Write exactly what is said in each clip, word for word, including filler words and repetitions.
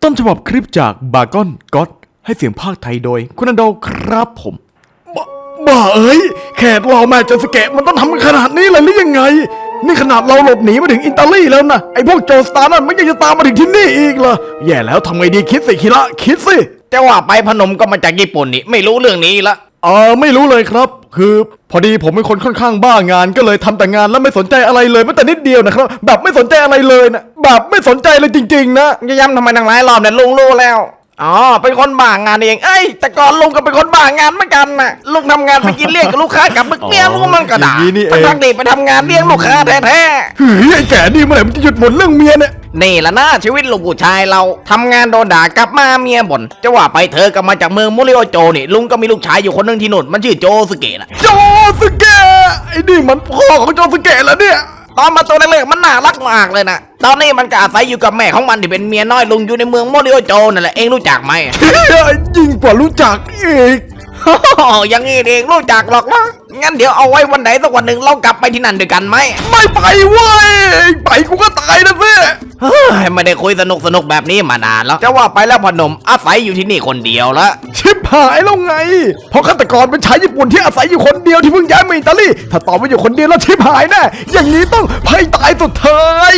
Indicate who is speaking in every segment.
Speaker 1: ต้นฉบับคลิปจากบากอนก็อดให้เสียงภาคไทยโดยคุณอันโดครับผมบ้าบ้าเอ้ยแขกเราแม่จัสเกะมันต้องทำขนาดนี้เลยหรือยังไงนี่ขนาดเราหลบหนีมาถึงอิตาลีแล้วนะไอ้พวกโจรสตาร์นั่นมันยังจะตามมาถึงที่นี่อีกเหรอแย่แล้วทำไงดีคิดสิคิระคิดสิ
Speaker 2: จะว่าไปพนมก็มาจากญี่ปุ่นนี่ไม่รู้เรื่องนี้ละ
Speaker 1: เออไม่รู้เลยครับคือพอดีผมเป็นคนค่อนข้างบ้างานก็เลยทำแต่งานแล้วไม่สนใจอะไรเลยแม้แต่นิดเดียวนะครับแบบไม่สนใจอะไรเลยนะแบบไม่สนใจเลยจริงๆนะ
Speaker 2: จะย้ำทำไมทั้งหลายรอบเนี่ยลุงรู้แล้วอ๋อเป็นคนบ้างานเองเอ้ยแต่ก่อนลุงก็เป็นคนบ้างานเหมือนกันน่ะลุงทำงานไปกินเลี้ยงกับลูกค้ากับมึกเมียลุงมันก็ด่าทั้งๆที่ไปทำงานเลี้ยงลูกค้าแท้
Speaker 1: ๆเฮ้ยไอ้แก่นี่เมื่อไหร่มันจะหยุดบ่นเรื่องเมียเนี่ย
Speaker 2: นี่แหละนะชีวิตลูกผู้ชายเราทำงานโดนด่ากลับมาเมียบ่นจะว่าไปเธอก็มาจากเมืองมุริโอโจนี่ลุงก็มีลูกชายอยู่คนนึงที่นู่นมันชื่อโจสเกะนะ
Speaker 1: โจสเกะไอ้นี่มันพ่อของโจสเกะแล้วเนี่ย
Speaker 2: ตอนมาตัวเล็กๆมันน่ารักมากเลยนะตอนนี้มันก็อาศัยอยู่กับแม่ของมันที่เป็นเมียน้อยลุงอยู่ในเมืองมุริโอโจนั่นแหละเองรู้จักไหม
Speaker 1: ยิ่งกว่ารู้จักอีก
Speaker 2: อย่างงี้เองรู้จักหรอกนะงั้นเดี๋ยวเอาไว้วันไหนสักวันหนึ่งเรากลับไปที่นั่นด้วยกันไหม
Speaker 1: ไม่ไปเว้ยไปกูก็ตายนะสิ
Speaker 2: เฮ้ยไม่ได้คุยสนุกสนุกแบบนี้มานานแล้วจะว่าไปแล้วพนมอาศัยอยู่ที่นี่คนเดียวละ
Speaker 1: ชิบหายแล้วไงเพราะฆาตกรเป็นชายญี่ปุ่นที่อาศัยอยู่คนเดียวที่เพิ่งย้ายมาอิตาลีถ้าตอบว่าอยู่คนเดียวแล้วชิบหายแน่อย่างนี้ต้องให้ตายสุดเทย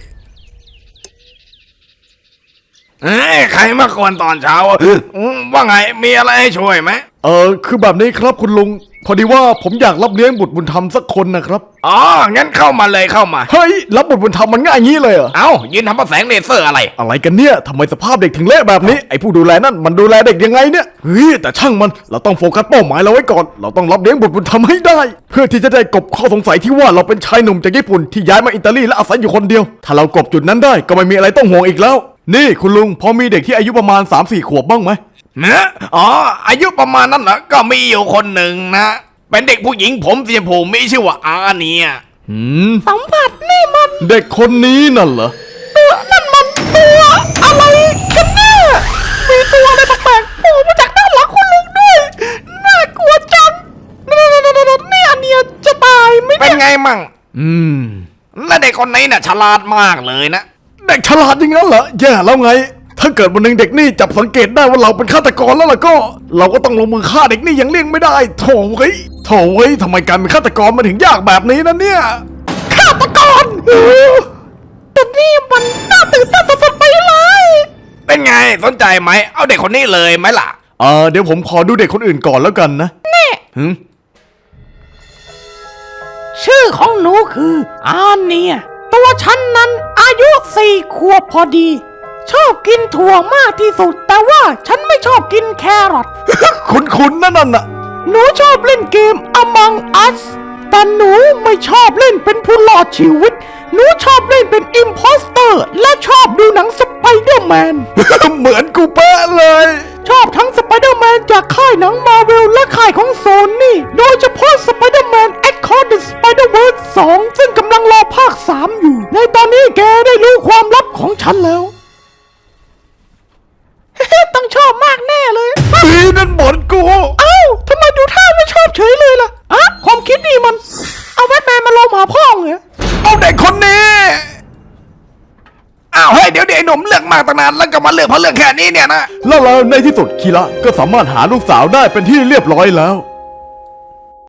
Speaker 2: เอ้ยใครมากวนตอนเช้าว่าไงมีอะไรให้ช่วยไหม
Speaker 1: เออคือแบบนี้ครับคุณลุงพอดีว่าผมอยากรับเลี้ยงบุตรบุญธรรมสักคนนะครับ
Speaker 2: อ๋องั้นเข้ามาเลยเข้ามา
Speaker 1: เฮ้ยรับบุตรบุญธรรมมันง่ายงี้เลยเหรอ
Speaker 2: เอ้ายืนทำภาษาแสงเลเซอร์อะไร
Speaker 1: อะไรกันเนี่ยทำไมสภาพเด็กถึงเละแบบนี้ไอ้ผู้ดูแลนั่นมันดูแลเด็กยังไงเนี่ยเฮ้ยแต่ช่างมันเราต้องโฟกัสเป้าหมายเราไว้ก่อนเราต้องรับเลี้ยงบุตรบุญธรรมให้ได้เพื่อที่จะได้กลบข้อสงสัยที่ว่าเราเป็นชายหนุ่มจากญี่ปุ่นที่ย้ายมาอิตาลีและอาศัยอยู่คนเดียวถ้าเรากลบจุดนั้นได้ก็ไม่มีอะไรต้องห่วงอีกแล้วนี่คุณลุงพอมีเด็กที่อายุประมาณ สามสี่ ขวบบ้างไหม
Speaker 2: เนะอ๋ออายุประมาณนั้นเหรอก็มีอยู่คนหนึ่งนะเป็นเด็กผู้หญิงผมสีชมพูมีชื่อว่าอาเนีย
Speaker 1: หืม
Speaker 3: สัมผัสนี่มัน
Speaker 1: เด็กคนนี้นั่นเหรอ
Speaker 3: ตัวนั่นมันตัวอะไรกันเนี่ยมีตัวอะไรแปลกๆโผล่มาจากด้านหลังคุณลุงด้วยน่ากลัวจังนี่นี่อาเนียจะตายไหม
Speaker 2: เป็นไงมั่ง
Speaker 1: อืม
Speaker 2: และเด็กคนนี้น่ะฉลาดมากเลยนะ
Speaker 1: เด็กฉลาดอย่างนั้นเหรอแย่แล้วไงถ้าเกิดวันหนึ่งเด็กนี่จับสังเกตได้ว่าเราเป็นฆาตกรแล้วล่ะก็เราก็ต้องลงมือฆ่าเด็กนี่อย่างเลี่ยงไม่ได้โถ่เว้ยโถ่เว้ยทำไมการเป็นฆาตกรมันถึงยากแบบนี้นะเนี่ย
Speaker 3: ฆาตกรแต่นี่มันน่าตื่นเต้นสุดๆไปเลย
Speaker 2: เป็นไงสนใจไหมเอาเด็กคนนี้เลยไหมล่ะ
Speaker 1: เออเดี๋ยวผมขอดูเด็กคนอื่นก่อนแล้วกันนะ
Speaker 3: แน่
Speaker 1: หืม
Speaker 3: ชื่อของหนูคืออาเนียตัวฉันนั้นอายุสี่ขวบพอดีชอบกินถั่วมากที่สุดแต่ว่าฉันไม่ชอบกินแครอท
Speaker 1: คุ้นๆนั่นน่ะ
Speaker 3: หนูชอบเล่นเกม Among Us แต่หนูไม่ชอบเล่นเป็นผู้รอดชีวิตหนูชอบเล่นเป็นอิมโพสเตอร์และชอบดูหนังสไปเดอร์แมน
Speaker 1: เหมือนกูเป๊ะเลย
Speaker 3: ชอบทั้งสไปเดอร์แมนจากค่ายหนังมาร์เวลและค่ายของโซนี่โดยเฉพาะสไปเดอร์แมน Across the Spider-Verse สองซึ่งกำลังรอภาคสามอยู่ในตอนนี้แกได้รู้ความลับของฉันแล้วต้องชอบมากแน่เลย
Speaker 1: พี่นั่นบอลกู
Speaker 3: เอ้าทำไมดูท่าไม่ชอบเฉยเลยล่ะอะความคิดนี่มันเอาแบทแมนมาลงหาพ่อเหรอ
Speaker 1: เอาเด็กคนนี้
Speaker 2: อ้าวเฮ้ยเดี๋ยวเดี๋ยวไอ้หนุ่มเลือกมากตั้งนานแล้วก็มาเลือกเพราะเรื่องแค่นี้เนี่ยนะ
Speaker 1: แล้วเราในที่สุดคีระก็สามารถหาลูกสาวได้เป็นที่เรียบร้อยแล้ว